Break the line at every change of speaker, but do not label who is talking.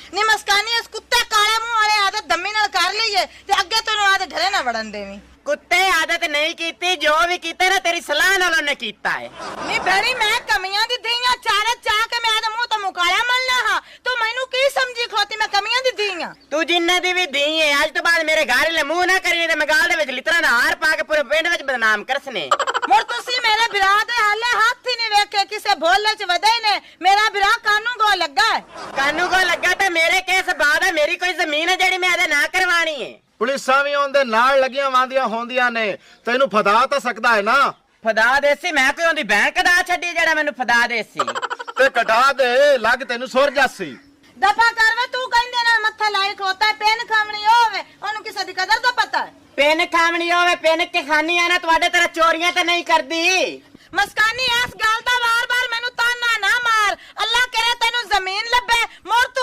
ਨੀ ਮਸਕਾਨੀ ਇਸ ਕੁੱਤੇ ਕਾਲੇ ਮੂੰਹ ਵਾਲੇ ਆਦਤ ਦੰਮੀ ਨਾਲ ਕਰ ਲਈਏ ਤੇ ਅੱਗੇ ਤੈਨੂੰ ਆਦਤ ਢਰੇ ਨਾ ਵੜਨ ਦੇਵੀਂ।
ਕੁੱਤੇ ਆਦਤ ਨਹੀਂ ਕੀਤੀ, ਜੋ ਵੀ ਕੀਤਾ ਨਾ ਤੇਰੀ ਸਲਾਹ ਨਾਲ ਉਹਨੇ ਕੀਤਾ ਹੈ।
ਨੀ ਬੜੀ ਮੈਂ ਕਮੀਆਂ ਦੀ ਧੀਆਂ ਚਾਰੇ ਚਾਹ ਕੇ ਮੈਂ ਇਹਦੇ ਮੂੰਹ ਤੋਂ ਮੁਕਾਲਾ ਮਲਣਾ ਹਾਂ। ਤੂੰ ਮੈਨੂੰ ਕੀ ਸਮਝੀ ਖਲੋਤੀ ਮੈਂ ਕਮੀਆਂ ਦੀ ਧੀਆਂ?
ਤੂੰ ਜਿੰਨੇ ਦੀ ਵੀ ਧੀ ਹੈ, ਅੱਜ ਤੋਂ ਬਾਅਦ ਮੇਰੇ ਘਰ ਲੈ ਮੂੰਹ ਨਾ ਕਰੀਏ ਤੇ ਮੈਂ ਗਾਲ ਦੇ ਵਿੱਚ ਲਿਤਰਾ ਦਾ ਹਾਰ ਪਾ ਕੇ ਪੂਰੇ ਪਿੰਡ ਵਿੱਚ ਬਦਨਾਮ ਕਰਸਨੇ।
ਮੁਰ ਤੁਸੀਂ ਮੇਰੇ ਬਿਰਾ ਦੇ ਹਾਲੇ ਹੱਥ ਹੀ ਨਹੀਂ ਵੇਖੇ, ਕਿਸੇ ਭੋਲੇ ਚ ਵਧੇ ਨੇ। ਮੇਰਾ ਬਿਰਾ ਕਾਨੂੰ ਗੋ ਲੱਗਾ ਹੈ।
ਕਾਨੂੰ ਕੋ ਲੱਗਾ ਤੇ ਮੇਰੇ ਕੇਸ ਬਾਅਦ ਹੈ, ਮੇਰੀ ਕੋਈ ਜ਼ਮੀਨ ਹੈ ਜਿਹੜੀ ਮੈਂ ਇਹਦੇ ਨਾ ਕਰਵਾਣੀ ਹੈ।
ਪੁਲਿਸਾਂ ਵੀ ਉਹਦੇ ਨਾਲ ਲੱਗੀਆਂ ਵਾਂਦੀਆਂ ਹੁੰਦੀਆਂ ਨੇ, ਤੈਨੂੰ ਫਦਾ ਤਾਂ ਸਕਦਾ ਹੈ ਨਾ।
ਫਦਾ ਦੇਸੀ ਮੈਂ ਕੋਈ ਉਹਦੀ ਬੈਂਕ ਕਢਾ ਛੱਡੀ ਜਿਹੜਾ ਮੈਨੂੰ ਫਦਾ ਦੇਸੀ।
ਤੇ ਕਟਾ ਦੇ, ਲੱਗ ਤੈਨੂੰ ਸੁਰ ਜਾਸੀ।
ਦਫਾ ਕਰ ਵੇ, ਤੂੰ ਕਹਿੰਦੇ ਨਾ ਮੱਥਾ ਲਾਈ ਖੋਤਾ ਪੈਨ ਖਾਵਣੀ ਹੋਵੇ, ਉਹਨੂੰ ਕਿਸੇ ਦੀ ਕਦਰ ਦਾ ਪਤਾ ਹੈ।
ਪੈਨ ਖਾਵਣੀ ਹੋਵੇ, ਪੈਨ ਕੇ ਖਾਨੀ ਆ ਨਾ, ਤੁਹਾਡੇ ਤਰ੍ਹਾਂ ਚੋਰੀਆਂ ਤਾਂ ਨਹੀਂ ਕਰਦੀ।
ਮਸਕਾਨੀ ਇਸ ਗੱਲ ਦਾ ਵਾਰ-ਵਾਰ ਮੈਨੂੰ ਤਾਨਾ ਨਾ ਮਾਰ। ਅੱਲਾ ਕਰੇ ਤੈਨੂੰ ਜ਼ਮੀਨ ਲੱਭੇ, ਮੋਰ